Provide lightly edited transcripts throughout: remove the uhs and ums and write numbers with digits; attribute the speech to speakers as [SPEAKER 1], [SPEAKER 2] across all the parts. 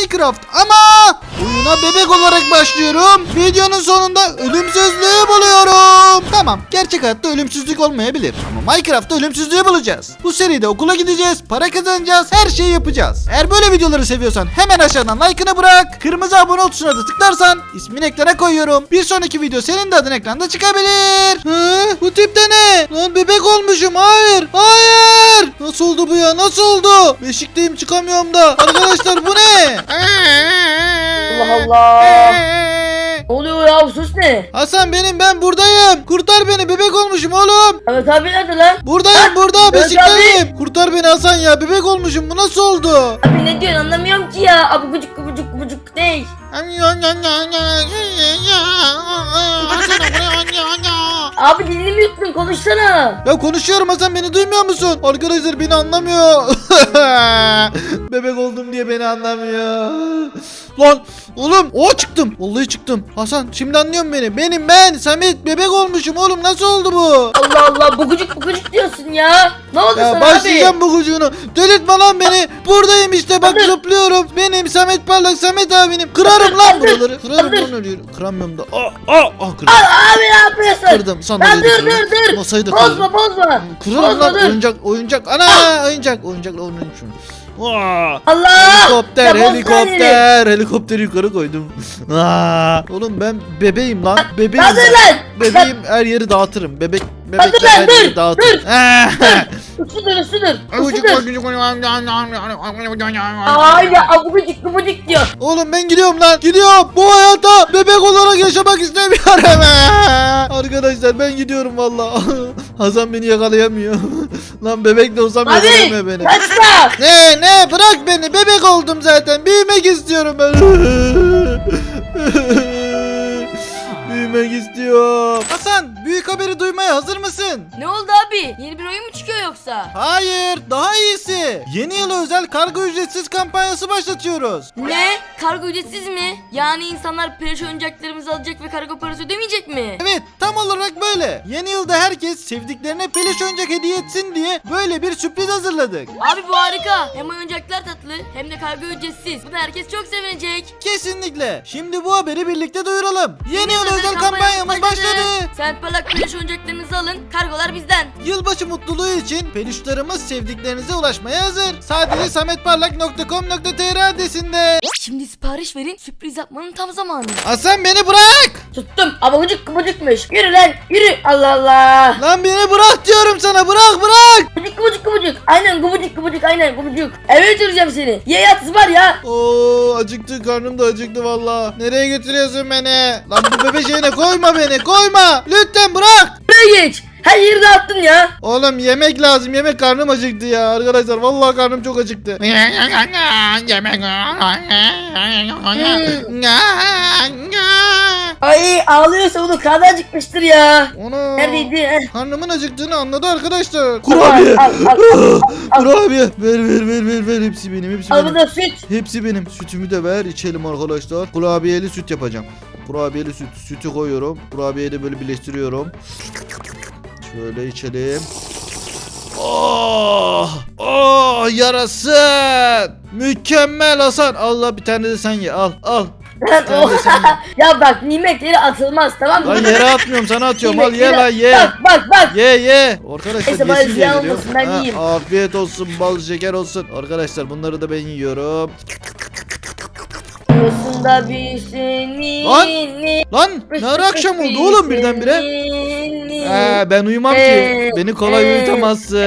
[SPEAKER 1] Minecraft ama oyuna bebek olarak başlıyorum. Videonun sonunda ölümsüzlüğü buluyorum. Tamam, gerçek hayatta ölümsüzlük olmayabilir ama Minecraft'ta ölümsüzlüğü bulacağız. Bu seride okula gideceğiz, para kazanacağız, her şeyi yapacağız. Eğer böyle videoları seviyorsan hemen aşağıdan like'ını bırak. Kırmızı abone ol tuşuna da tıklarsan ismini ekrana koyuyorum. Bir sonraki video senin de adın ekranda çıkabilir. Bu tip de ne? Lan bebek olmuşum. Hayır. Hayır. Nasıl oldu bu ya? Nasıl oldu? Beşikteyim, çıkamıyorum da. Arkadaşlar bu ne?
[SPEAKER 2] Allah Allah. Ne oluyor ya, bu sus ne?
[SPEAKER 1] Hasan benim, ben buradayım. Kurtar beni, bebek olmuşum oğlum.
[SPEAKER 2] Ahmet abi nerede lan?
[SPEAKER 1] Buradayım, burada
[SPEAKER 2] Mehmet
[SPEAKER 1] beşikteyim. Kurtar beni Hasan ya, bebek olmuşum. Bu nasıl oldu?
[SPEAKER 2] Abi ne diyorsun, anlamıyorum ki ya. Abi gıcık ne? Abi dilini mi yuttun, konuşsana.
[SPEAKER 1] Ya konuşuyorum Hasan, beni duymuyor musun? Arkadaşlar beni anlamıyor. Bebek oldum diye beni anlamıyor. Lan oğlum, çıktım. Vallahi çıktım. Hasan şimdi anlıyorsun beni. Ben Samet, bebek olmuşum oğlum, nasıl oldu bu?
[SPEAKER 2] Allah Allah, bu gıcık diyorsun ya. Ne oldu
[SPEAKER 1] Ya
[SPEAKER 2] sana
[SPEAKER 1] başlayacağım bu kucuğunu. Delirtme lan beni. Buradayım işte, bak
[SPEAKER 2] Hadi.
[SPEAKER 1] zıplıyorum. Benim Samet Parlak, Samet abinim. Kırarım lan
[SPEAKER 2] Hadi.
[SPEAKER 1] buraları. Kırarım
[SPEAKER 2] Hadi.
[SPEAKER 1] lan, ölüyorum. Kıramıyorum da. Kırdım.
[SPEAKER 2] Abi ne yapıyorsun?
[SPEAKER 1] Kırdım.
[SPEAKER 2] Lan
[SPEAKER 1] Sandalyeyi de kırdım.
[SPEAKER 2] dur.
[SPEAKER 1] Masayı da kırdım.
[SPEAKER 2] Bozma.
[SPEAKER 1] Kırarım
[SPEAKER 2] Bozma,
[SPEAKER 1] lan,
[SPEAKER 2] dur.
[SPEAKER 1] oyuncak. Ana oyuncakla onun için.
[SPEAKER 2] Allah.
[SPEAKER 1] Helikopter,
[SPEAKER 2] Ya bozma
[SPEAKER 1] helikopteri yukarı koydum. Oğlum ben bebeğim lan. Bebeğim.
[SPEAKER 2] Hadi lan.
[SPEAKER 1] Bebeğim, her yeri dağıtırım. Bebek
[SPEAKER 2] Hadi lan,
[SPEAKER 1] her yeri
[SPEAKER 2] dur.
[SPEAKER 1] dağıtırım.
[SPEAKER 2] Üstüdür. Ay ya, abuk gıcık diyor.
[SPEAKER 1] Oğlum ben gidiyorum lan. Gidiyorum. Bu hayata bebek olarak yaşamak istemiyorum. Arkadaşlar ben gidiyorum valla. Hasan beni yakalayamıyor. Lan bebek de olsam
[SPEAKER 2] Abi
[SPEAKER 1] yakalayamıyor beni.
[SPEAKER 2] kaçma.
[SPEAKER 1] Ne bırak beni, bebek oldum zaten, büyümek istiyorum ben. Büyümek istiyorum. Hasan, büyük haberi duymaya hazır mısın?
[SPEAKER 3] Ne oldu abi? Yeni bir oyun mu çıkıyor yoksa?
[SPEAKER 1] Hayır, daha iyisi. Yeni yıla özel kargo ücretsiz kampanyası başlatıyoruz.
[SPEAKER 3] Ne? Kargo ücretsiz mi? Yani insanlar peluş oyuncaklarımızı alacak ve kargo parası ödemeyecek mi?
[SPEAKER 1] Evet, tam olarak böyle. Yeni yılda herkes sevdiklerine peluş oyuncak hediye etsin diye böyle bir sürpriz hazırladık.
[SPEAKER 3] Abi bu harika. Hem oyuncaklar tatlı hem de kargo ücretsiz. Buna herkes çok sevinecek.
[SPEAKER 1] Kesinlikle. Şimdi bu haberi birlikte duyuralım. Yeni yıl özel kampanyamız başladı.
[SPEAKER 3] Sen parlak peluş oyuncaklarınızı alın. Kargolar bizden.
[SPEAKER 1] Yılbaşı mutluluğu için peluşlarımız sevdiklerinize ulaşmaya hazır. Sadece sametparlak.com.tr adresinde.
[SPEAKER 3] Şimdi sipariş verin. Sürpriz yapmanın tam zamanı.
[SPEAKER 1] Hasan beni bırak.
[SPEAKER 2] Tuttum. Abuk gıcıkmış. Yürü lan. Yürü. Allah Allah.
[SPEAKER 1] Lan beni bırak diyorum sana. Bırak.
[SPEAKER 2] Gıbıcık. Aynen gıbıcık. Aynen gıbıcık. Eve götüreceğim seni. Ye yat var ya.
[SPEAKER 1] Oo, acıktı, karnım da acıktı valla. Nereye götürüyorsun beni? Lan bu bebe şeyine koyma beni. Koyma. Lütfen bırak.
[SPEAKER 2] Buraya geç. Her yeri dağıttın ya.
[SPEAKER 1] Oğlum yemek lazım. Yemek, karnım acıktı ya. Arkadaşlar vallahi karnım çok acıktı.
[SPEAKER 2] Ay ağlıyorsa bunu karnı acıkmıştır ya.
[SPEAKER 1] Onu.
[SPEAKER 2] Neredeydi? Heh.
[SPEAKER 1] Karnımın acıktığını anladı arkadaşlar. Kurabiye.
[SPEAKER 2] Al.
[SPEAKER 1] Kurabiye. Ver. Hepsi benim.
[SPEAKER 2] Al bu da süt.
[SPEAKER 1] Hepsi benim. Sütümü de ver, içelim arkadaşlar. Kurabiyeli süt yapacağım. Kurabiyeli süt. Sütü koyuyorum. Kurabiyeyi de böyle birleştiriyorum. Şöyle içelim. Yarasın. Mükemmel Hasan. Allah, bir tane de sen ye. Al.
[SPEAKER 2] Lan
[SPEAKER 1] tane de sen ye.
[SPEAKER 2] Ya bak, nimet yeri atılmaz, tamam mı?
[SPEAKER 1] Lan yere atmıyorum, sana atıyorum. Al, ye
[SPEAKER 2] Nimet
[SPEAKER 1] lan,
[SPEAKER 2] yeri-
[SPEAKER 1] ye.
[SPEAKER 2] Bak.
[SPEAKER 1] Ye. Arkadaşlar
[SPEAKER 2] Neyse, bana
[SPEAKER 1] yesin diye
[SPEAKER 2] ziyan
[SPEAKER 1] veriyorum.
[SPEAKER 2] olmasın, ben yiyeyim.
[SPEAKER 1] Afiyet olsun, bal şeker olsun. Arkadaşlar bunları da ben yiyorum.
[SPEAKER 2] Yosunda bir seni.
[SPEAKER 1] Lan ne ara akşam oldu oğlum birdenbire? Ben uyumam ki. Beni kolay uyutamazsın.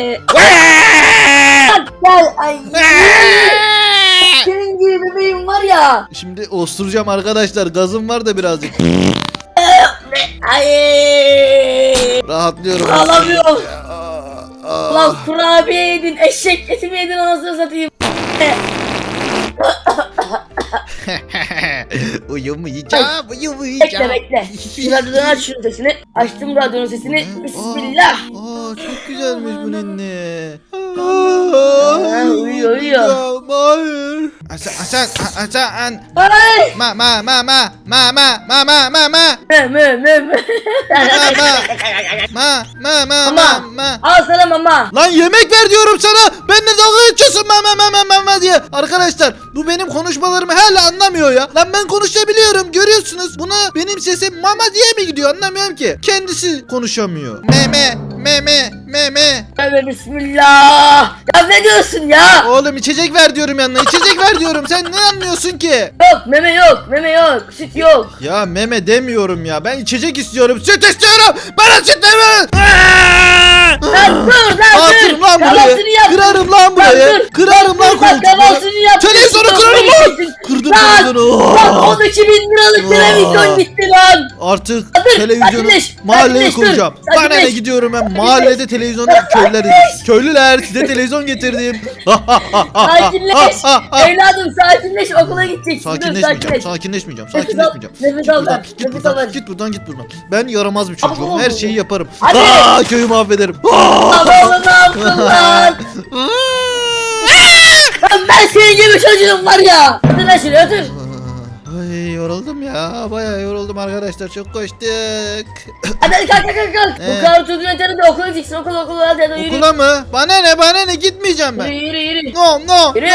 [SPEAKER 2] Gel ay. Senin gibi bebeğim var ya.
[SPEAKER 1] Şimdi osturacağım arkadaşlar. Gazım var da birazcık.
[SPEAKER 2] Ay.
[SPEAKER 1] Rahatlıyorum.
[SPEAKER 2] Ağlamıyorum. Lan kurabiye yedin, eşek eti mi yedin, anasını satayım.
[SPEAKER 1] Uyumayacağım.
[SPEAKER 2] Bekle. Şu radyodan aç şunun sesini. Açtım radyonun sesini. Bismillah.
[SPEAKER 1] Çok güzelmiş bu ninni.
[SPEAKER 2] Uyuyor, uyuyor.
[SPEAKER 1] Hayır. Hasan.
[SPEAKER 2] Ay.
[SPEAKER 1] Ma. Ma.
[SPEAKER 2] Al sana mama.
[SPEAKER 1] Lan yemek ver diyorum sana. Benimle dalga geçiyorsun ma diye. Arkadaşlar bu benim konuşmalarımı hala anlamıyor ya. Lan ben konuşabiliyorum görüyorsunuz. Buna benim sesim mama diye mi gidiyor anlamıyorum ki. Kendisi konuşamıyor. Meme.
[SPEAKER 2] Tövbe bismillah. Ya ne diyorsun ya?
[SPEAKER 1] Oğlum içecek ver diyorum yanına. İçecek ver diyorum. Sen ne anlıyorsun ki?
[SPEAKER 2] Yok meme yok. Meme yok. Süt yok.
[SPEAKER 1] Ya meme demiyorum ya. Ben içecek istiyorum. Süt istiyorum. Bana süt deme.
[SPEAKER 2] Lan dur lan
[SPEAKER 1] Atırım
[SPEAKER 2] dur.
[SPEAKER 1] lan burayı.
[SPEAKER 2] Kahvaltını yap.
[SPEAKER 1] Kırarım lan burayı.
[SPEAKER 2] dur.
[SPEAKER 1] Kırarım lan
[SPEAKER 2] Dur, bak, kahvaltını
[SPEAKER 1] koltuğu.
[SPEAKER 2] yap.
[SPEAKER 1] Televizyonu kırarım lan. Kırdım
[SPEAKER 2] Lan.
[SPEAKER 1] televizyonu.
[SPEAKER 2] Lan 12 bin liralık televizyon gitti lan.
[SPEAKER 1] Artık
[SPEAKER 2] Dur,
[SPEAKER 1] televizyonu
[SPEAKER 2] sakinleş,
[SPEAKER 1] mahalleye
[SPEAKER 2] sakinleş, dur.
[SPEAKER 1] koyacağım. Bana ne
[SPEAKER 2] Sakinleş.
[SPEAKER 1] gidiyorum ben mahallede televizyonu köylüler izlesin. Köylüler size televizyon getirdim.
[SPEAKER 2] Sakinleş. Evladım sakinleş okula gideceksin. Dur,
[SPEAKER 1] Sakinleşmeyeceğim. Sakinleşmeyeceğim.
[SPEAKER 2] Nefes al lan.
[SPEAKER 1] Git
[SPEAKER 2] Nefes al
[SPEAKER 1] buradan.
[SPEAKER 2] lan.
[SPEAKER 1] Git buradan. Ben yaramaz bir çocuğum.
[SPEAKER 2] Ama-
[SPEAKER 1] Her şeyi yaparım.
[SPEAKER 2] Hadi.
[SPEAKER 1] Köyü mahvederim.
[SPEAKER 2] Lan oğlum ne yaptın lan? Lan ben senin gibi çocuğum var ya. Otur lan şuraya otur.
[SPEAKER 1] Ay yoruldum ya. Bayağı yoruldum arkadaşlar. Çok koştuk.
[SPEAKER 2] Hadi kalk.
[SPEAKER 1] Ee?
[SPEAKER 2] Bu kadar çocuğun yeterli de okula gideceksin. Okula hadi yürü.
[SPEAKER 1] Okula mı? Bana ne gitmeyeceğim ben.
[SPEAKER 2] Yürü.
[SPEAKER 1] No.
[SPEAKER 2] Yürü.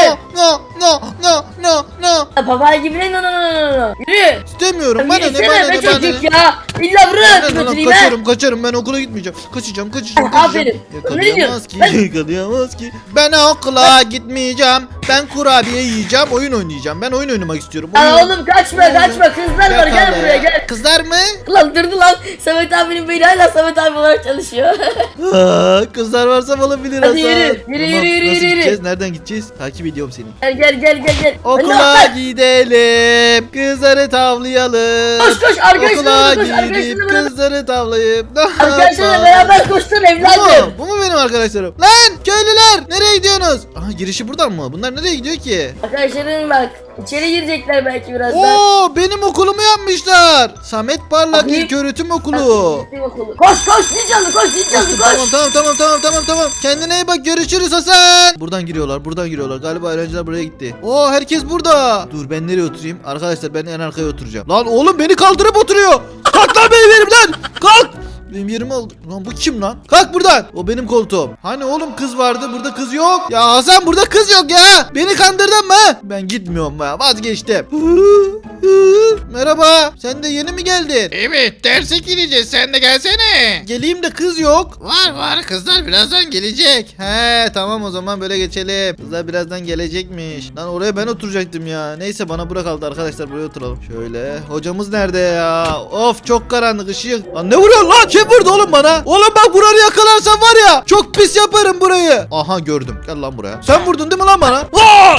[SPEAKER 2] Papay gibi ne no. Yürü.
[SPEAKER 1] İstemiyorum. Bana ne
[SPEAKER 2] Yürüsene be çocuk ya. İlla buraya götüreyim ha.
[SPEAKER 1] Kaçarım ben okula gitmeyeceğim. Kaçacağım.
[SPEAKER 2] Aferin. Ne
[SPEAKER 1] Yakalayamaz
[SPEAKER 2] diyorsun?
[SPEAKER 1] yakalayamaz ki. Ben okula gitmeyeceğim. Ben kurabiye yiyeceğim. Oyun oynayacağım. Ben oyun oynamak istiyorum.
[SPEAKER 2] Aa, oğlum kaçma. Kızlar var gel
[SPEAKER 1] Yakala.
[SPEAKER 2] buraya gel.
[SPEAKER 1] Kızlar mı?
[SPEAKER 2] Lan durdu lan. Samet abinin beyni hala Samet abi olarak çalışıyor.
[SPEAKER 1] Kızlar varsa olabilir
[SPEAKER 2] Hadi
[SPEAKER 1] Hasan.
[SPEAKER 2] yürü,
[SPEAKER 1] Tamam,
[SPEAKER 2] yürü.
[SPEAKER 1] nasıl gideceğiz? Nereden gideceğiz? Takip ediyorum seni.
[SPEAKER 2] Gel.
[SPEAKER 1] Okula
[SPEAKER 2] Hadi
[SPEAKER 1] gidelim. Kızları tavlayalım.
[SPEAKER 2] Koş, arkadaşlarına
[SPEAKER 1] Okula
[SPEAKER 2] koş,
[SPEAKER 1] gidip
[SPEAKER 2] arkadaşlarına bırak.
[SPEAKER 1] kızları tavlayıp.
[SPEAKER 2] Arkadaşlarla beraber koştun
[SPEAKER 1] Bu
[SPEAKER 2] evladım.
[SPEAKER 1] mu? Bu mu benim arkadaşlarım? Lan köylüler nereye gidiyorsunuz? Aha girişi buradan mı? Bunlar nereye gidiyor ki?
[SPEAKER 2] Arkadaşların bak içeri girecekler belki birazdan.
[SPEAKER 1] Oo benim okulumu yapmışlar. Samet Parlak
[SPEAKER 2] Abi.
[SPEAKER 1] İlköğretim Okulu.
[SPEAKER 2] Gitti okulu. Koş zil çaldı koş.
[SPEAKER 1] Tamam. Kendine iyi bak görüşürüz Hasan. Buradan giriyorlar. Galiba öğrenciler buraya gitti. Oo herkes burada. Dur ben nereye oturayım? Arkadaşlar ben en arkaya oturacağım. Lan oğlum beni kaldırıp oturuyor. Kalk lan benim yerimden. Kalk. Benim yerimi aldı. Lan bu kim lan? Kalk buradan. O benim koltuğum. Hani oğlum kız vardı burada kız yok. Ya Hasan burada kız yok ya. Beni kandırdın mı? Ben gitmiyorum ya vazgeçtim. Merhaba. Sen de yeni mi geldin?
[SPEAKER 4] Evet derse gireceğiz sen de gelsene.
[SPEAKER 1] Geleyim de kız yok.
[SPEAKER 4] Var kızlar birazdan gelecek.
[SPEAKER 1] He tamam o zaman böyle geçelim. Kızlar birazdan gelecekmiş. Lan oraya ben oturacaktım ya. Neyse bana bırak aldı arkadaşlar buraya oturalım. Şöyle. Hocamız nerede ya? Of çok karanlık ışık. Lan ne vuruyorsun lan? Kim vurdu oğlum bana? Oğlum bak buranı yakalarsan var ya. Çok pis yaparım burayı. Aha gördüm. Gel lan buraya. Sen vurdun değil mi lan bana? Aa!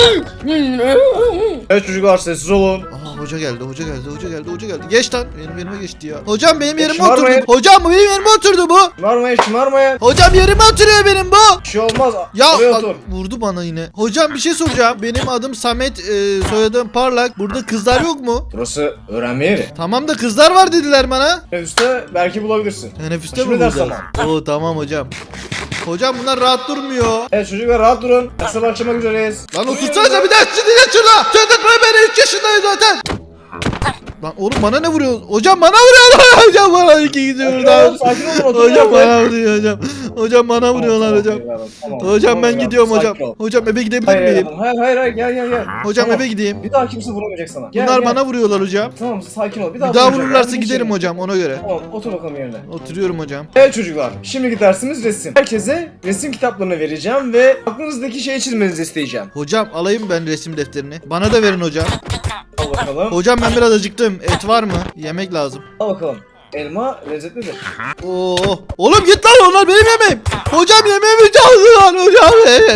[SPEAKER 5] Evet çocuklar sessiz olun.
[SPEAKER 1] Aha hoca geldi. Geç lan. Benim yerime geçti ya. Hocam benim yerime
[SPEAKER 5] Şımarmayın.
[SPEAKER 1] oturdu. Hocam benim yerime oturdu bu.
[SPEAKER 5] Şımarmayın.
[SPEAKER 1] Hocam yerime oturuyor benim bu.
[SPEAKER 5] Bir şey olmaz.
[SPEAKER 1] Ya
[SPEAKER 5] Oraya
[SPEAKER 1] bak,
[SPEAKER 5] otur.
[SPEAKER 1] vurdu bana yine. Hocam bir şey soracağım. Benim adım Samet, soyadım Parlak. Burada kızlar yok mu?
[SPEAKER 5] Burası öğrenme yeri.
[SPEAKER 1] Tamam da kızlar var dediler bana.
[SPEAKER 5] Teneffüste belki bulabilirsin.
[SPEAKER 1] Teneffüste
[SPEAKER 5] Şimdi
[SPEAKER 1] mi
[SPEAKER 5] ders
[SPEAKER 1] bulacağız? Oo tamam hocam. Hocam bunlar rahat durmuyor.
[SPEAKER 5] Evet çocuklar rahat durun. Derse başlamak üzereyiz.
[SPEAKER 1] Lan otursanıza bir daha sizinle şurada. Söyletme beni 3 yaşındayım zaten. Lan oğlum bana ne vuruyor? Hocam bana vuruyorlar. Hocam bana iki gidiyor buradan.
[SPEAKER 5] Sakin olun oturun.
[SPEAKER 1] Hocam bana vuruyor hocam. Hocam bana vuruyorlar hocam. Hocam ben gidiyorum hocam.
[SPEAKER 5] Sakin ol.
[SPEAKER 1] Hocam eve gidebilir
[SPEAKER 5] Hayır
[SPEAKER 1] miyim?
[SPEAKER 5] hayır gel.
[SPEAKER 1] Hocam
[SPEAKER 5] Tamam.
[SPEAKER 1] eve gideyim.
[SPEAKER 5] Bir daha kimse vuramayacak sana. Gel,
[SPEAKER 1] Bunlar
[SPEAKER 5] gel.
[SPEAKER 1] bana vuruyorlar hocam.
[SPEAKER 5] Tamam sakin ol.
[SPEAKER 1] Bir daha
[SPEAKER 5] vurmayacak.
[SPEAKER 1] vururlarsa
[SPEAKER 5] Hadi
[SPEAKER 1] giderim
[SPEAKER 5] geçelim.
[SPEAKER 1] hocam ona göre.
[SPEAKER 5] Tamam otur bakalım yerine.
[SPEAKER 1] Oturuyorum hocam.
[SPEAKER 5] Evet çocuklar, şimdiki dersimiz resim. Herkese resim kitaplarını vereceğim ve aklınızdaki şeyi çizmenizi isteyeceğim.
[SPEAKER 1] Hocam alayım ben resim defterini. Bana da verin hocam.
[SPEAKER 5] Al bakalım.
[SPEAKER 1] Hocam ben biraz acıktım. Et var mı? Yemek lazım.
[SPEAKER 5] Al bakalım. Elma lezzetlidir.
[SPEAKER 1] Oo. Oğlum git lan onlar benim yemeğim. Hocam yemeğimi çaldılar hocam.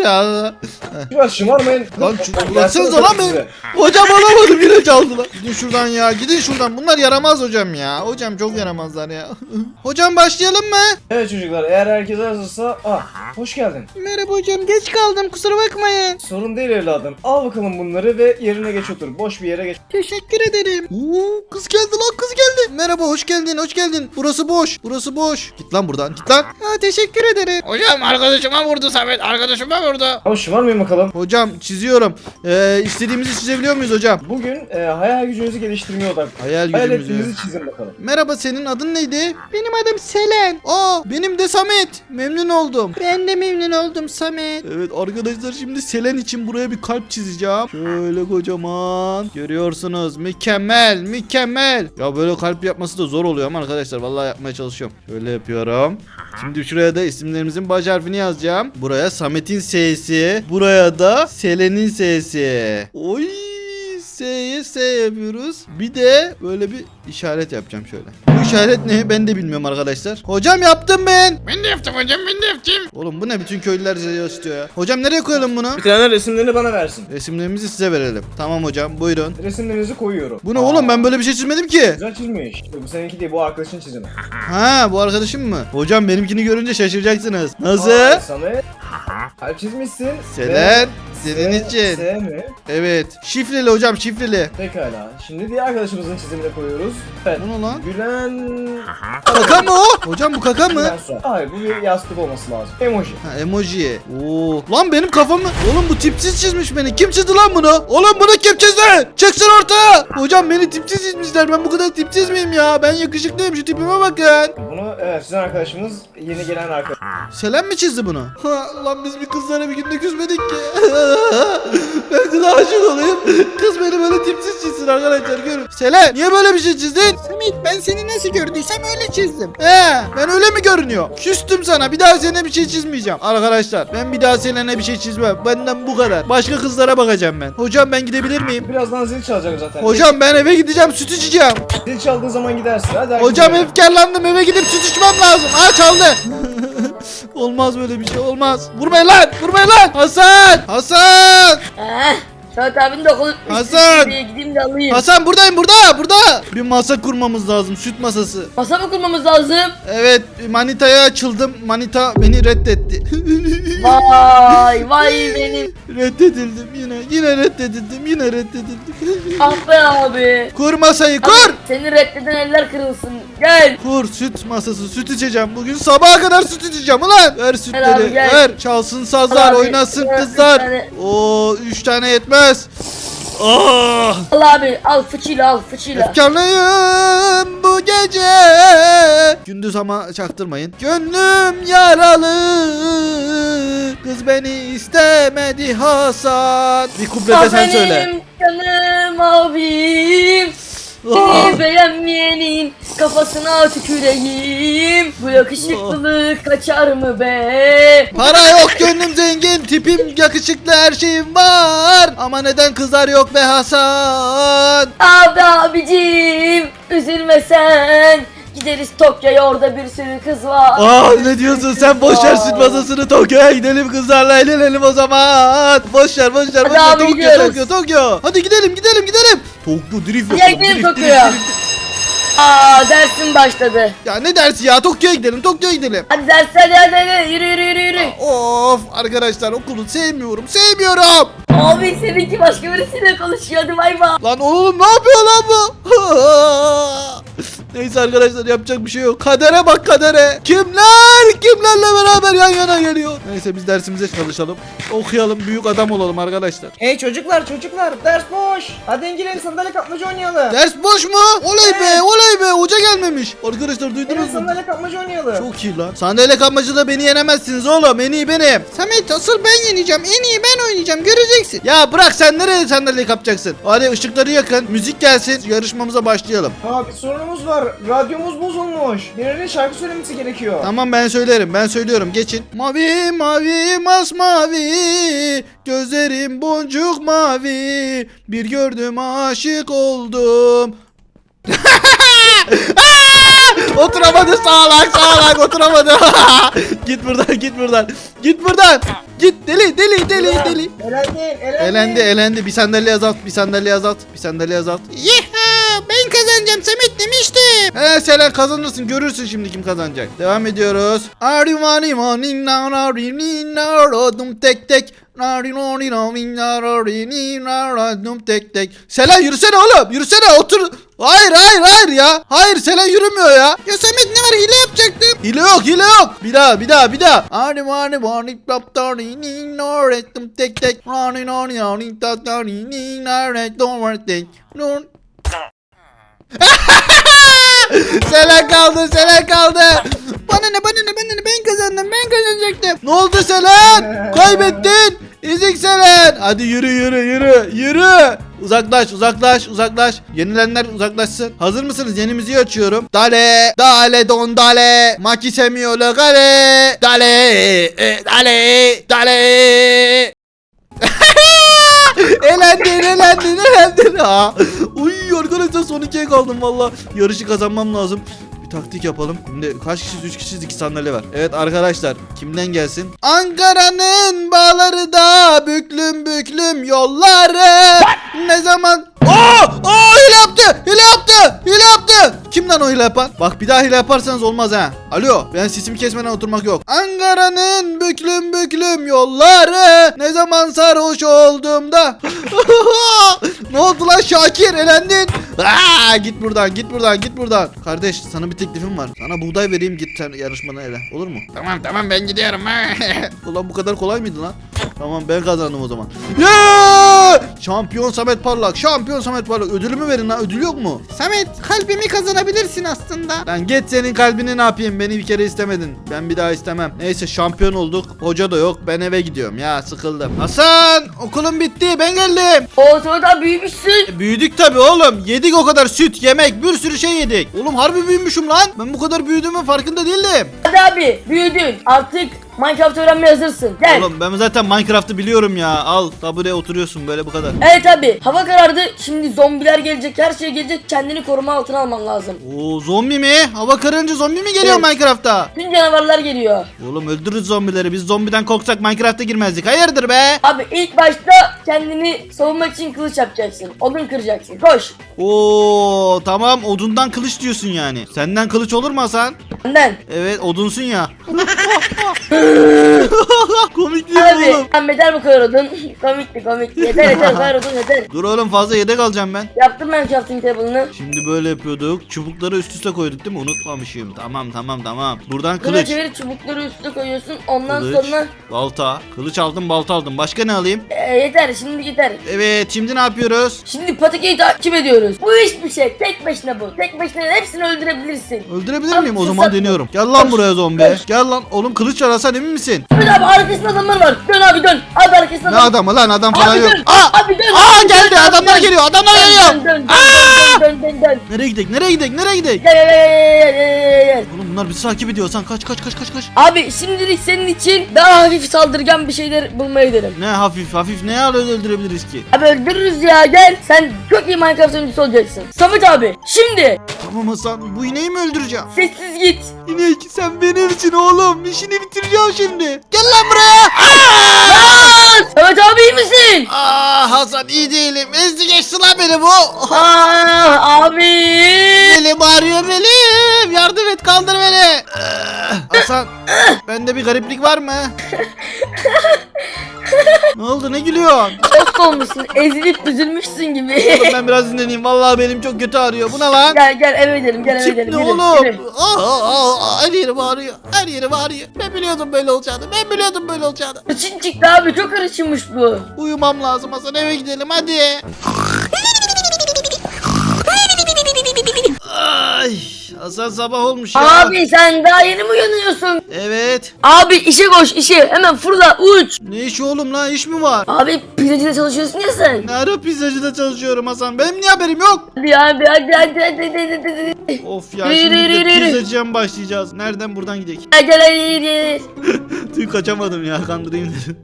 [SPEAKER 4] ya.
[SPEAKER 5] Çocuklar şımarmayın.
[SPEAKER 1] Lan
[SPEAKER 5] Dersiniz
[SPEAKER 1] bıraksanıza lan
[SPEAKER 5] size.
[SPEAKER 1] beni. Hocam alamadım yine çaldılar. Gidin şuradan ya, gidin şuradan. Bunlar yaramaz hocam ya. Hocam çok yaramazlar ya. Hocam başlayalım mı?
[SPEAKER 5] Evet çocuklar, eğer herkes hazırsa... hoş geldin.
[SPEAKER 1] Merhaba hocam, geç kaldım, kusura bakmayın.
[SPEAKER 5] Sorun değil evladım. Al bakalım bunları ve yerine geç otur. Boş bir yere geç.
[SPEAKER 1] Teşekkür ederim. Oo, kız geldi lan, kız geldi. Merhaba, hoş geldin, hoş geldin. Burası boş, burası boş. Git lan buradan, git lan. Ha, teşekkür ederim.
[SPEAKER 4] Hocam arkadaşıma vurdu Samet. Arkadaşıma vurdu.
[SPEAKER 5] Ama şımarmayın bakalım.
[SPEAKER 1] Hocam çiziyorum. İstediğimizi çizebiliyor muyuz hocam?
[SPEAKER 5] Bugün hayal gücünüzü geliştirmeye odaklı.
[SPEAKER 1] Hayal
[SPEAKER 5] Hayal
[SPEAKER 1] gücümüzü.
[SPEAKER 5] ettiğinizi çizin bakalım.
[SPEAKER 1] Merhaba, senin adın neydi? Benim adım Selen. Aa, benim de Samet. Memnun oldum. Ben de memnun oldum Samet. Evet arkadaşlar, şimdi Selen için buraya bir kalp çizeceğim. Şöyle kocaman. Görüyorsunuz, mükemmel mükemmel. Ya böyle kalp yapması da zor oluyor ama arkadaşlar vallahi yapmaya çalışıyorum. Şöyle yapıyorum. Şimdi şuraya da isimlerimizin baş harfini yazacağım. Buraya Samet'in S'si. Buraya da Selen'in S'si. Oy. S'ye S yapıyoruz. Bir de böyle bir işaret yapacağım şöyle. Bu işaret ne? Ben de bilmiyorum arkadaşlar. Hocam yaptım ben.
[SPEAKER 4] Ben de yaptım hocam, ben de yaptım.
[SPEAKER 1] Oğlum bu ne? Bütün köylüler istiyor ya. Hocam nereye koyalım bunu?
[SPEAKER 5] Bir tane resimlerini bana versin.
[SPEAKER 1] Resimlerimizi size verelim. Tamam hocam, buyurun.
[SPEAKER 5] Resimlerinizi koyuyorum.
[SPEAKER 1] Bu ne oğlum? Ben böyle bir şey çizmedim ki.
[SPEAKER 5] Güzel çizmiş. Bu seninki değil, bu arkadaşın çizimi.
[SPEAKER 1] Ha, bu arkadaşım mı? Hocam benimkini görünce şaşıracaksınız.
[SPEAKER 5] Aa,
[SPEAKER 1] Nasıl?
[SPEAKER 5] Samet. Kalp çizmişsin.
[SPEAKER 1] Selen,
[SPEAKER 5] Ve
[SPEAKER 1] senin için.
[SPEAKER 5] S mi?
[SPEAKER 1] Evet. Şifreli hocam, şifreli.
[SPEAKER 5] Pekala. Şimdi diğer arkadaşımızın çizimini koyuyoruz. Evet.
[SPEAKER 1] Bu ne lan?
[SPEAKER 5] Gülen...
[SPEAKER 1] Kaka mı o? Hocam bu kaka mı?
[SPEAKER 5] Gülen Suat. Hayır, bu bir yastık olması lazım. Emoji.
[SPEAKER 1] Ha, emoji. Oo. Lan benim kafamı. Oğlum bu tipsiz çizmiş beni. Kim çizdi lan bunu? Oğlum bunu kim çizdi? Çıksın ortaya. Hocam beni tipsiz çizmişler. Ben bu kadar tipsiz miyim ya? Ben yakışıklıyım. Şu tipime bakın.
[SPEAKER 5] Bunu evet, sizin arkadaşımız yeni gelen arkadaş.
[SPEAKER 1] Selen mi çizdi bunu? Ha, lan biz bir kızlara bir günde küsmedik ki. Ben kıza aşık olayım. Kız beni böyle tipsiz çizsin arkadaşlar, görün. Selen, niye böyle bir şey çizdin? Samet, ben seni nasıl gördüysem öyle çizdim. Ben öyle mi görünüyor? Küstüm sana. Bir daha Selen'e bir şey çizmeyeceğim. Arkadaşlar ben bir daha Selen'e bir şey çizmem. Benden bu kadar. Başka kızlara bakacağım ben. Hocam ben gidebilir miyim?
[SPEAKER 5] Birazdan zil çalacak zaten.
[SPEAKER 1] Hocam ben eve gideceğim, süt içeceğim.
[SPEAKER 5] Zil çaldığı zaman gidersin. Hadi
[SPEAKER 1] Hocam
[SPEAKER 5] herkes-
[SPEAKER 1] efkarlandım, eve gidip süt içmem lazım. Aa, çaldı. Olmaz böyle bir şey, olmaz. Vurmayın lan, vurmayın lan. Hasan, Hasan.
[SPEAKER 2] Samet abinin de okulu
[SPEAKER 1] Hasan!
[SPEAKER 2] Gideyim de alayım.
[SPEAKER 1] Hasan buradayım, burada. Bir masa kurmamız lazım, süt masası.
[SPEAKER 2] Masa mı kurmamız lazım?
[SPEAKER 1] Evet, manitaya açıldım. Manita beni reddetti.
[SPEAKER 2] Vay benim.
[SPEAKER 1] Reddedildim yine reddedildim.
[SPEAKER 2] Ah be abi.
[SPEAKER 1] Kur masayı,
[SPEAKER 2] Abi,
[SPEAKER 1] kur.
[SPEAKER 2] seni reddeden eller kırılsın. Gel.
[SPEAKER 1] Kur, süt masası, süt içeceğim. Bugün sabaha kadar süt içeceğim ulan. Ver sütleri,
[SPEAKER 2] abi, gel.
[SPEAKER 1] ver. Çalsın sazlar,
[SPEAKER 2] Al abi,
[SPEAKER 1] oynasın
[SPEAKER 2] ver,
[SPEAKER 1] kızlar.
[SPEAKER 2] 3 tane.
[SPEAKER 1] Oo, 3 tane yetmez. Ah!
[SPEAKER 2] Al abi al fıçıyla.
[SPEAKER 1] Efkarlıyım bu gece. Gündüz ama çaktırmayın. Gönlüm yaralı. Kız beni istemedi Hasan. Bir kuplede sen söyle.
[SPEAKER 2] Benim canım abim.
[SPEAKER 1] Ah!
[SPEAKER 2] Seni beğenmeyenin kafasına tüküreyim. Bu yakışıklılık kaçar mı be?
[SPEAKER 1] Para yok, gönlüm zengin, tipim yakışıklı, her şeyim var. Ama neden kızlar yok be Hasan?
[SPEAKER 2] Abicim üzülme sen. Gideriz Tokyo'ya, orada bir sürü kız var.
[SPEAKER 1] Ne diyorsun sen? Boş ver süt masasını, Tokyo'ya gidelim, kızlarla eğlenelim o zaman. Boş ver.
[SPEAKER 2] Hadi abi, gidiyoruz.
[SPEAKER 1] Tokyo. Hadi gidelim. Tokyo drift
[SPEAKER 2] Gel
[SPEAKER 1] yapalım.
[SPEAKER 2] gidelim
[SPEAKER 1] drift.
[SPEAKER 2] Tokyo'ya. Dersim başladı.
[SPEAKER 1] Ya ne dersi ya? Tokyo'ya gidelim.
[SPEAKER 2] Hadi hadi yürü.
[SPEAKER 1] Of arkadaşlar, okulu sevmiyorum.
[SPEAKER 2] Abi seninki başka birisiyle konuşuyor, hadi bay bay.
[SPEAKER 1] Lan oğlum ne yapıyor lan bu? Neyse arkadaşlar, yapacak bir şey yok. Kadere bak, kadere. Kimlerle beraber yan yana geliyor. Neyse biz dersimize çalışalım. Okuyalım, büyük adam olalım arkadaşlar.
[SPEAKER 5] Hey çocuklar, ders boş. Hadi İngiliz sandalye kapmaca oynayalım.
[SPEAKER 1] Ders boş mu? Oley be, hoca gelmemiş. Arkadaşlar duydunuz
[SPEAKER 5] Gelin
[SPEAKER 1] mu?
[SPEAKER 5] sandalye kapmaca oynayalım.
[SPEAKER 1] Çok iyi lan. Sandalye kapmacada beni yenemezsiniz oğlum. En iyi benim. Samet, asıl ben yeneceğim. En iyi ben oynayacağım. Göreceksin. Ya bırak, sen nereye sandalye kapacaksın? Hadi ışıkları yakın. Müzik gelsin. Yarışmamıza başlayalım.
[SPEAKER 5] Bir sorunumuz var. Radyomuz bozulmuş. Birinin şarkı söylemesi gerekiyor.
[SPEAKER 1] Tamam, ben söylerim. Geçin. Mavi mavi masmavi, gözlerim boncuk mavi, bir gördüm aşık oldum. Oturamadı, sağlak oturamadı. Git buradan. Git deli deli deli deli.
[SPEAKER 5] Elendi.
[SPEAKER 1] Bir sandalye azalt. Yeha ben kazanacağım Samet demiştim. Selen kazanırsın, görürsün şimdi kim kazanacak. Devam ediyoruz. Tek tek. Selen yürüsene oğlum, yürüsene, otur. Hayır ya. Hayır, Selen yürümüyor ya. Ya Samet ne var, hile yapacaktım. Hile yok. Bir daha. Tek tek. Selen kaldı. Bana ne ben kazanacaktım. Ne oldu Selen? Kaybettin. Ezik Selen. Hadi yürü. Uzaklaş. Yenilenler uzaklaşsın. Hazır mısınız? Yeni müziği açıyorum. Dale don dale. Maki semiolo gale. Dale. Elendin ha. Uy arkadaşlar, son 2'ye kaldım valla. Yarışı kazanmam lazım. Bir taktik yapalım. Şimdi kaç kişiyiz? 3 kişiyiz, 2 sandalye var. Evet arkadaşlar, kimden gelsin? Ankara'nın bağları da büklüm yolları. Ne zaman? Hile yaptı. Kimden o hile yapan? Bak bir daha hile yaparsanız olmaz ha. Alo, ben sesimi kesmeden oturmak yok. Ankara'nın büklüm yolları. Ne zaman sarhoş olduğumda. Ne oldu lan Şakir, elendin. Git buradan. Kardeş, sana bir teklifim var. Sana buğday vereyim, git sen yarışmadan ele. Olur mu?
[SPEAKER 4] Tamam ben gidiyorum.
[SPEAKER 1] Ulan bu kadar kolay mıydı lan? Tamam, ben kazandım o zaman. Yeah! Şampiyon Samet Parlak. Ödülümü verin lan. Ödül yok mu? Samet, kalbimi kazanabilirsin aslında. Lan git, senin kalbini ne yapayım? Beni bir kere istemedin. Ben bir daha istemem. Neyse, şampiyon olduk. Hoca da yok. Ben eve gidiyorum ya, sıkıldım. Hasan, okulum bitti. Ben geldim.
[SPEAKER 2] O sonra da büyümüşsün.
[SPEAKER 1] Büyüdük tabi oğlum. Yedik o kadar süt, yemek, bir sürü şey yedik. Oğlum harbi büyümüşüm lan. Ben bu kadar büyüdüğümün farkında değildim.
[SPEAKER 2] Hadi abi büyüdün. Artık Minecraft öğrenmeye hazırsın. Gel.
[SPEAKER 1] Oğlum ben zaten Minecraft'ı biliyorum ya. Al, tabureye oturuyorsun böyle, bu kadar.
[SPEAKER 2] Evet abi, hava karardı. Şimdi zombiler gelecek, her şey gelecek. Kendini koruma altına alman lazım.
[SPEAKER 1] Oo, zombi mi? Hava kararınca zombi mi geliyor
[SPEAKER 2] Evet.
[SPEAKER 1] Minecraft'ta?
[SPEAKER 2] Tüm canavarlar geliyor.
[SPEAKER 1] Oğlum öldürürüz zombileri. Biz zombiden korksak Minecraft'a girmezdik. Hayırdır be?
[SPEAKER 2] Abi ilk başta kendini savunmak için kılıç yapacaksın. Odun kıracaksın. Koş.
[SPEAKER 1] Oo, tamam, odundan kılıç diyorsun yani. Senden kılıç olur mu Hasan?
[SPEAKER 2] Benden.
[SPEAKER 1] Evet, odunsun ya. Komik değil mi
[SPEAKER 2] Abi
[SPEAKER 1] oğlum?
[SPEAKER 2] sen yeter bu kadar odun. komikti. Yeter bu kadar odun yeter.
[SPEAKER 1] Dur oğlum, fazla yedek alacağım ben.
[SPEAKER 2] Yaptım ben crafting table'ını.
[SPEAKER 1] Şimdi böyle yapıyorduk. Çubukları üst üste koyduk değil mi? Unutmamışım. Tamam. Buradan
[SPEAKER 2] Kılıç.
[SPEAKER 1] kılıç.
[SPEAKER 2] Çevirip çubukları üstüne koyuyorsun. Ondan
[SPEAKER 1] Kılıç,
[SPEAKER 2] sonra
[SPEAKER 1] balta. Kılıç aldım, balta aldım. Başka ne alayım?
[SPEAKER 2] yeter şimdi yeter.
[SPEAKER 1] Evet, şimdi ne yapıyoruz?
[SPEAKER 2] Şimdi Patiki'yi takip ediyoruz. Bu hiçbir şey. Tek başına bu. Tek başına hepsini öldürebilirsin.
[SPEAKER 1] Öldürebilir
[SPEAKER 2] Abi,
[SPEAKER 1] miyim? O
[SPEAKER 2] fırsat
[SPEAKER 1] zaman
[SPEAKER 2] bu.
[SPEAKER 1] deniyorum. Gel lan
[SPEAKER 2] Koş,
[SPEAKER 1] buraya zombi.
[SPEAKER 2] koş.
[SPEAKER 1] Gel lan. Oğlum kılıç var Hasan, emin misin?
[SPEAKER 2] Dön abi, arkasında adamlar var. Dön abi dön. Abi arkasında
[SPEAKER 1] Ne
[SPEAKER 2] adam.
[SPEAKER 1] adamı lan? Adam falan
[SPEAKER 2] Abi
[SPEAKER 1] yok.
[SPEAKER 2] dön.
[SPEAKER 1] Aa!
[SPEAKER 2] Abi dön.
[SPEAKER 1] Aa,
[SPEAKER 2] Abi
[SPEAKER 1] geldi.
[SPEAKER 2] dön, abi
[SPEAKER 1] Adamlar
[SPEAKER 2] dön.
[SPEAKER 1] geliyor. Adamlar
[SPEAKER 2] Dön,
[SPEAKER 1] geliyor.
[SPEAKER 2] dön.
[SPEAKER 1] Nereye gidek?
[SPEAKER 2] Gel.
[SPEAKER 1] Oğlum bunlar bizi takip ediyor. Hasan kaç.
[SPEAKER 2] Abi şimdilik senin için daha hafif saldırgan bir şeyler bulmaya gidelim.
[SPEAKER 1] Ne hafif ne al öldürebiliriz ki?
[SPEAKER 2] Abi öldürürüz ya, gel. Sen çok iyi Minecraft oyuncusu olacaksın. Samet abi şimdi
[SPEAKER 1] Tamam Hasan, bu ineği mi öldüreceğim?
[SPEAKER 2] sessiz git.
[SPEAKER 1] İnek, sen benim için oğlum. İşini bitireceğim şimdi. Gel lan buraya.
[SPEAKER 2] Aa! Samet abi iyi misin?
[SPEAKER 1] Hasan, iyi değilim. Ezdi geçti lan beni bu.
[SPEAKER 2] Abi.
[SPEAKER 1] Belim ağrıyor belim. Yardım et, kaldır beni. Hasan, bende bir gariplik var mı? Ne oldu, ne gülüyorsun?
[SPEAKER 2] Dost olmuşsun, ezilip üzülmüşsün gibi.
[SPEAKER 1] Oğlum ben biraz dinleneyim. Vallahi belim çok kötü ağrıyor. Bu ne lan?
[SPEAKER 2] Gel eve gidelim, eve
[SPEAKER 1] Tip
[SPEAKER 2] gidelim.
[SPEAKER 1] ne
[SPEAKER 2] Yürü,
[SPEAKER 1] oğlum?
[SPEAKER 2] yürü.
[SPEAKER 1] Her yerim ağrıyor. Ben biliyordum böyle olacağını.
[SPEAKER 2] Kırçın çıktı abi, çok karışmış bu.
[SPEAKER 1] Uyumam lazım Hasan, eve gidelim hadi. Ay, Hasan sabah olmuş ya.
[SPEAKER 2] Abi sen daha yeni mi uyanıyorsun?
[SPEAKER 1] Evet.
[SPEAKER 2] Abi işe koş, işe. Hemen fırla, uç.
[SPEAKER 1] Ne işi oğlum lan, iş mi var?
[SPEAKER 2] Abi pizzacıda çalışıyorsun ya sen.
[SPEAKER 1] Ne ara pizzacıda çalışıyorum Hasan? Benim niye haberim yok?
[SPEAKER 2] Hadi hadi.
[SPEAKER 1] Of ya,
[SPEAKER 2] Yürü,
[SPEAKER 1] şimdi
[SPEAKER 2] yürü,
[SPEAKER 1] de
[SPEAKER 2] yürü.
[SPEAKER 1] pizzacıya mı başlayacağız? Nereden, buradan gidelim?
[SPEAKER 2] Gel.
[SPEAKER 1] Tüy kaçamadım ya, kandırayım dedim.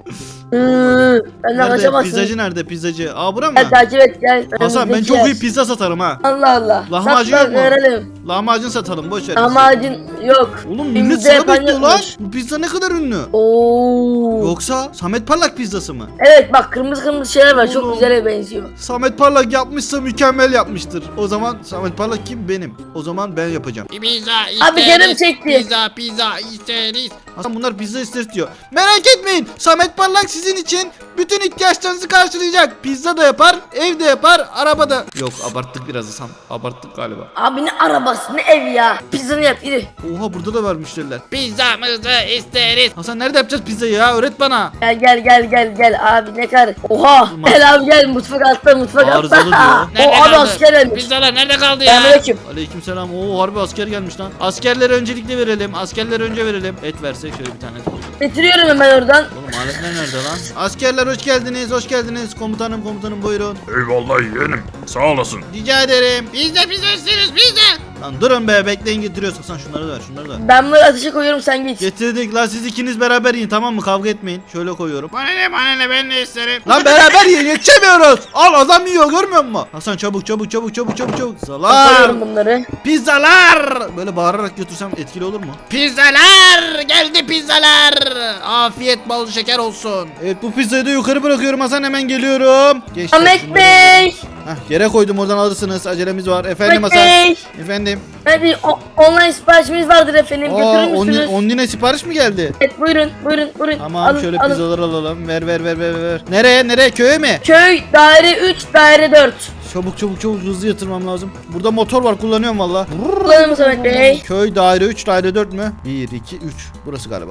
[SPEAKER 2] Benden
[SPEAKER 1] Nerede?
[SPEAKER 2] kaçamazsın.
[SPEAKER 1] Pizzacı nerede? Pizzacı. Aa bura mı?
[SPEAKER 2] Gel takip et gel.
[SPEAKER 1] Hasan ben
[SPEAKER 2] Önümüzdeki
[SPEAKER 1] çok
[SPEAKER 2] yer.
[SPEAKER 1] iyi pizza satarım ha.
[SPEAKER 2] Allah Allah.
[SPEAKER 1] Lahmacun
[SPEAKER 2] Sat
[SPEAKER 1] yok mu?
[SPEAKER 2] verelim.
[SPEAKER 1] Lahmacun satalım boş ver.
[SPEAKER 2] Lahmacun yok.
[SPEAKER 1] Oğlum millet
[SPEAKER 2] Elimizde
[SPEAKER 1] sıra
[SPEAKER 2] yapan
[SPEAKER 1] bekliyor lan.
[SPEAKER 2] yokmuş.
[SPEAKER 1] Bu pizza ne kadar ünlü?
[SPEAKER 2] Oo.
[SPEAKER 1] Yoksa Samet Parlak pizzası mı?
[SPEAKER 2] Evet bak kırmızı kırmızı şeyler var. Çok
[SPEAKER 1] Oğlum.
[SPEAKER 2] güzele benziyor.
[SPEAKER 1] Samet Parlak yapmışsa mükemmel yapmıştır. O zaman Samet Parlak kim? Benim. O zaman ben yapacağım.
[SPEAKER 4] Pizza isteriz.
[SPEAKER 2] Abi canım çekti.
[SPEAKER 4] Pizza isteriz.
[SPEAKER 1] Hasan bunlar pizza ister diyor. Merak etmeyin. Samet Parlak sizin için bütün ihtiyaçlarınızı karşılayacak. Pizza da yapar, evde yapar, arabada. Yok abarttık biraz Hasan. Abarttık galiba.
[SPEAKER 2] Abi ne arabası ne ev ya. Pizzanı yap yürü.
[SPEAKER 1] Oha burada da var müşteriler.
[SPEAKER 4] Pizzamızı isteriz.
[SPEAKER 1] Hasan nerede yapacağız pizzayı ya? Öğret bana.
[SPEAKER 2] Gel abi ne kadar. Oha.
[SPEAKER 1] Olmaz.
[SPEAKER 2] Gel abi gel mutfak altta mutfak altta.
[SPEAKER 1] Arızalı diyor.
[SPEAKER 2] O abi asker gelmiş.
[SPEAKER 4] Pizzalar nerede kaldı ya?
[SPEAKER 2] Selamünaleyküm.
[SPEAKER 1] Aleykümselam. Oo harbi asker gelmiş lan. Askerlere öncelikle verelim. Askerlere önce verelim. Et versek şöyle bir tane.
[SPEAKER 2] Getiriyorum hemen oradan.
[SPEAKER 1] Oğlum aletler nerede lan? Askerler hoş geldiniz. Hoş geldiniz. Komutanım buyurun.
[SPEAKER 6] Eyvallah yeğenim. Sağ olasın.
[SPEAKER 1] Rica ederim.
[SPEAKER 4] Pizza isteriz pizza.
[SPEAKER 1] Lan durun be bekleyin getiriyoruz. Hasan şunları da ver şunları da ver.
[SPEAKER 2] Ben bunları ateşe koyuyorum sen git.
[SPEAKER 1] Getirdik lan siz ikiniz beraber yiyin tamam mı? Kavga etmeyin. Şöyle koyuyorum.
[SPEAKER 4] Bana ne ben de isterim.
[SPEAKER 1] Lan beraber yiyin yetişemiyoruz. Al adam yiyor görmüyor musun? Hasan çabuk. Pizzalar.
[SPEAKER 2] Koyuyorum bunları.
[SPEAKER 1] Pizzalar. Böyle bağırarak götürsem etkili olur mu?
[SPEAKER 4] Pizzalar geldi pizzalar. Afiyet bal şeker olsun.
[SPEAKER 1] Evet bu pizzayı da yukarı bırakıyorum Hasan hemen geliyorum. Geçti.
[SPEAKER 2] Ahmet Bey.
[SPEAKER 1] Hah, yere koydum oradan alırsınız. Acelemiz var. Efendim
[SPEAKER 2] Ahmet
[SPEAKER 1] Hasan.
[SPEAKER 2] Bey.
[SPEAKER 1] Efendim.
[SPEAKER 2] Hadi online siparişimiz vardır efendim.
[SPEAKER 1] Aa,
[SPEAKER 2] Götürür müsünüz?
[SPEAKER 1] 10 lira sipariş mi geldi?
[SPEAKER 2] Evet buyurun.
[SPEAKER 1] Tamam
[SPEAKER 2] Alın,
[SPEAKER 1] şöyle
[SPEAKER 2] alın.
[SPEAKER 1] pizzaları alalım. Ver. Nereye? Köye mi?
[SPEAKER 2] Köy daire 3 daire 4.
[SPEAKER 1] Çabuk hızlı yatırmam lazım. Burada motor var kullanıyorum valla.
[SPEAKER 2] Kullanır mısın Ahmet Bey?
[SPEAKER 1] Köy daire 3 daire 4 mü? 1 2 3 burası galiba.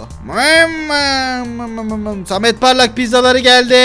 [SPEAKER 1] Samet Parlak pizzaları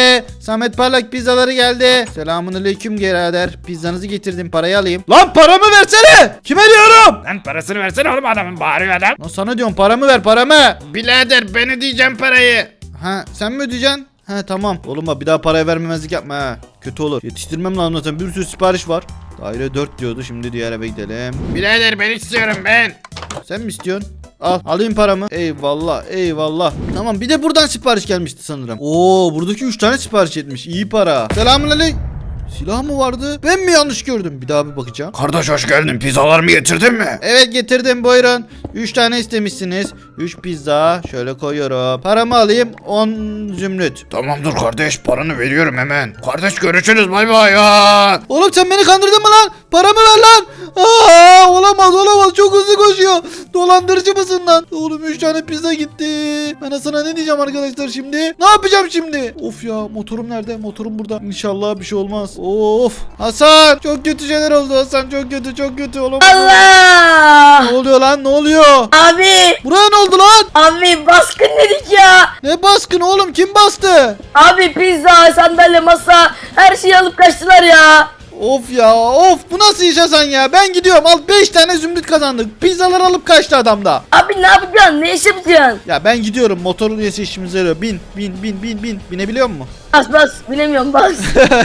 [SPEAKER 1] geldi. Selamünaleyküm birader. Pizzanızı getirdim parayı alayım. Lan paramı versene. Kime diyorum?
[SPEAKER 4] Lan parasını versene oğlum adamın bağırıyor adam.
[SPEAKER 1] Lan sana diyorum paramı ver paramı.
[SPEAKER 4] Birader ben ödeyeceğim parayı.
[SPEAKER 1] Ha sen mi ödeyeceksin? Ha tamam. Oğlum bak bir daha paraya vermemezlik yapma ha. Kötü olur. Yetiştirmem lazım zaten bir sürü sipariş var. Daire 4 diyordu şimdi diğer eve gidelim.
[SPEAKER 4] Birader ben istiyorum ben.
[SPEAKER 1] Sen mi istiyorsun? Al alayım paramı. Eyvallah. Tamam bir de buradan sipariş gelmişti sanırım. Oo buradaki 3 tane sipariş etmiş. İyi para. Selamünaleyküm. Silah mı vardı? Ben mi yanlış gördüm? Bir daha bir bakacağım.
[SPEAKER 6] Kardeş hoş geldin. Pizzalarımı getirdin mi?
[SPEAKER 1] Evet getirdim buyurun. 3 tane istemişsiniz. 3 pizza. Şöyle koyuyorum. Paramı alayım. 10 zümrüt.
[SPEAKER 6] Tamamdır kardeş. Paranı veriyorum hemen. Kardeş görüşürüz. Bay bay ya.
[SPEAKER 1] Oğlum sen beni kandırdın mı lan? Paramı ver lan. Aa, olamaz. Çok hızlı koşuyor. Dolandırıcı mısın lan? Oğlum 3 tane pizza gitti. Ben sana ne diyeceğim arkadaşlar şimdi? Ne yapacağım şimdi? Of ya motorum nerede? Motorum burada. İnşallah bir şey olmaz. Of. Hasan çok kötü şeyler oldu Hasan. Çok kötü. Olamaz.
[SPEAKER 2] Allah!
[SPEAKER 1] Ne oluyor lan? Ne oluyor?
[SPEAKER 2] Abi!
[SPEAKER 1] Buraya ne oldu lan?
[SPEAKER 2] Abi baskın dedik ya!
[SPEAKER 1] Ne baskını oğlum? Kim bastı?
[SPEAKER 2] Abi pizza, sandalye, masa her şeyi alıp kaçtılar ya!
[SPEAKER 1] Of ya of bu nasıl iş Hasan ya ben gidiyorum al 5 tane zümrüt kazandık pizzalar alıp kaçtı adam da.
[SPEAKER 2] Abi ne yapacaksın? Ne iş yapacaksın?
[SPEAKER 1] Ya ben gidiyorum motorun üyesi işimize yarıyor bin binebiliyor musun?
[SPEAKER 2] Bas bilemiyorum bas.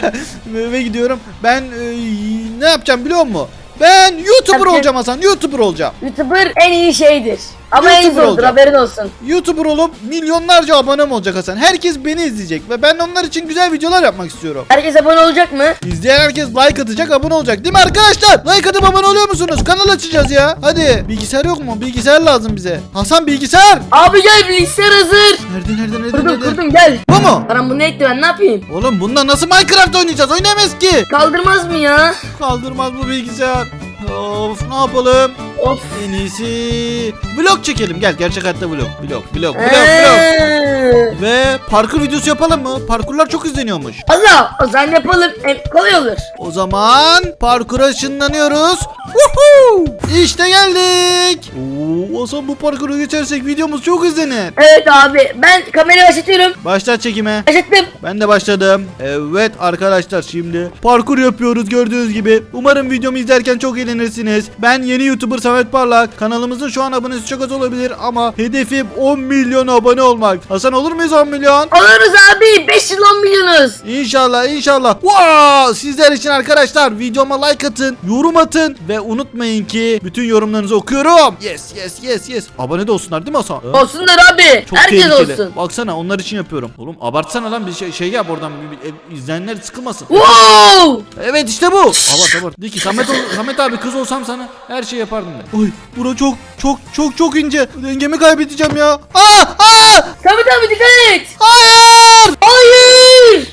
[SPEAKER 1] Eve gidiyorum ben ne yapacağım biliyor musun? Ben YouTuber
[SPEAKER 2] Tabii.
[SPEAKER 1] olacağım Hasan YouTuber olacağım.
[SPEAKER 2] YouTuber en iyi şeydir. Ama en
[SPEAKER 1] YouTuber
[SPEAKER 2] zordur
[SPEAKER 1] olacağım.
[SPEAKER 2] haberin olsun.
[SPEAKER 1] YouTuber olup milyonlarca abonem olacak Hasan. Herkes beni izleyecek ve ben onlar için güzel videolar yapmak istiyorum.
[SPEAKER 2] Herkes abone olacak mı?
[SPEAKER 1] İzleyen herkes like atacak abone olacak değil mi arkadaşlar? Like atıp abone oluyor musunuz? Kanal açacağız ya. Hadi bilgisayar yok mu? Bilgisayar lazım bize. Hasan bilgisayar.
[SPEAKER 2] Abi gel bilgisayar hazır.
[SPEAKER 1] Nerede?
[SPEAKER 2] Kurdum gel.
[SPEAKER 1] Bu mu?
[SPEAKER 2] Bana bunu ekle ben ne yapayım?
[SPEAKER 1] Oğlum bununla nasıl Minecraft oynayacağız? Oynayamayız ki.
[SPEAKER 2] Kaldırmaz mı ya?
[SPEAKER 1] Kaldırmaz bu bilgisayar. Of ne yapalım?
[SPEAKER 2] Of.
[SPEAKER 1] En iyisi vlog çekelim. Gel gerçek hayatta vlog. Ve parkur videosu yapalım mı? Parkurlar çok izleniyormuş.
[SPEAKER 2] Allah o zaman yapalım. Hem kolay olur.
[SPEAKER 1] O zaman parkura ışınlanıyoruz. Woohoo! İşte geldik. Oo, Hasan bu parkuru geçersek videomuz çok izlenir.
[SPEAKER 2] Evet abi ben kamerayı başlatıyorum.
[SPEAKER 1] Başlat çekime.
[SPEAKER 2] Başlattım.
[SPEAKER 1] Ben de başladım. Evet arkadaşlar şimdi parkur yapıyoruz gördüğünüz gibi. Umarım videomu izlerken çok eğlenirsiniz. Ben yeni YouTuber Samet Parlak. Kanalımızın şu an abonesi çok az olabilir ama hedefim 10 milyon abone olmak. Hasan olur muyuz 10 milyon?
[SPEAKER 2] Oluruz abi 5 yıl 10 milyonuz.
[SPEAKER 1] İnşallah inşallah. Wow! Sizler için arkadaşlar videoma like atın, yorum atın ve unutmayın ki bütün yorumlarınızı okuyorum. Yes. Abone de olsunlar değil mi Hasan?
[SPEAKER 2] Olsunlar abi.
[SPEAKER 1] Çok
[SPEAKER 2] Herkes
[SPEAKER 1] tehlikeli.
[SPEAKER 2] olsun.
[SPEAKER 1] Baksana onlar için yapıyorum. Oğlum abartsana lan bir şey yap oradan izleyenler sıkılmasın.
[SPEAKER 2] Wow!
[SPEAKER 1] Evet işte bu. Abart. De ki Samet abi kız olsam sana her şey yapardım ben. Oy bura çok ince. Dengemi kaybedeceğim ya. Aa!
[SPEAKER 2] Samet abi dikkat et.
[SPEAKER 1] Hayır!
[SPEAKER 2] Hayır!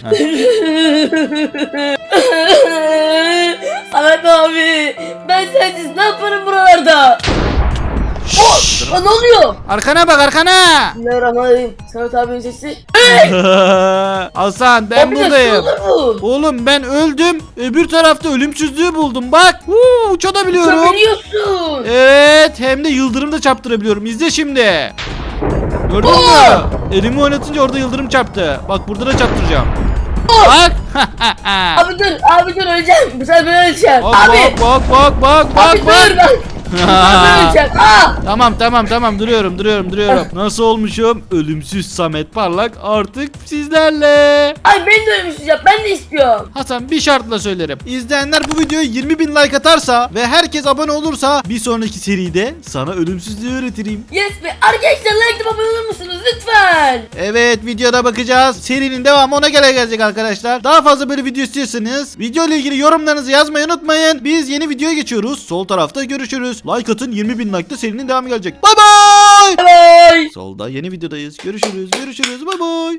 [SPEAKER 2] Samet abi ben sensiz ne yaparım buralarda? Aa, ne oluyor?
[SPEAKER 1] Arkana bak arkana.
[SPEAKER 2] Bismillahirrahmanirrahim. Samet abinin sesi.
[SPEAKER 1] Hasan ben
[SPEAKER 2] Abi
[SPEAKER 1] buradayım.
[SPEAKER 2] nasıl olur bu?
[SPEAKER 1] Oğlum ben öldüm. Öbür tarafta ölümsüzlüğü buldum. Bak. Uçabiliyorum.
[SPEAKER 2] Uçabiliyorsun.
[SPEAKER 1] Evet hem de yıldırım da çarptırabiliyorum. İzle şimdi. Gördün mü? Elimi oynatınca orada yıldırım çarptı. Bak burada da çarptıracağım. Bak.
[SPEAKER 2] Abi dur öleceğim. Bu sefer ben öleceğim.
[SPEAKER 1] Bak
[SPEAKER 2] Abi.
[SPEAKER 1] bak.
[SPEAKER 2] Abi dur bak. Ben öleceğim.
[SPEAKER 1] Tamam duruyorum. Nasıl olmuşum? Ölümsüz Samet Parlak artık sizlerle.
[SPEAKER 2] Ay beni de ölmüşsün ya. Ben de istiyorum.
[SPEAKER 1] Hasan bir şartla söylerim. İzleyenler bu videoya 20.000 like atarsa ve herkes abone olursa bir sonraki seride sana ölümsüzlüğü öğretirim.
[SPEAKER 2] Yes be. Arkadaşlar like abone olur musunuz lütfen?
[SPEAKER 1] Evet videoda bakacağız. Serinin devamı ona gelecek arkadaşlar. Daha fazla böyle video istiyorsanız video ile ilgili yorumlarınızı yazmayı unutmayın. Biz yeni videoya geçiyoruz. Sol tarafta görüşürüz. Like atın 20.000 like'ta serinin devamı gelecek. Bye bye.
[SPEAKER 2] Bye.
[SPEAKER 1] Solda yeni videodayız. Görüşürüz. Bye bye.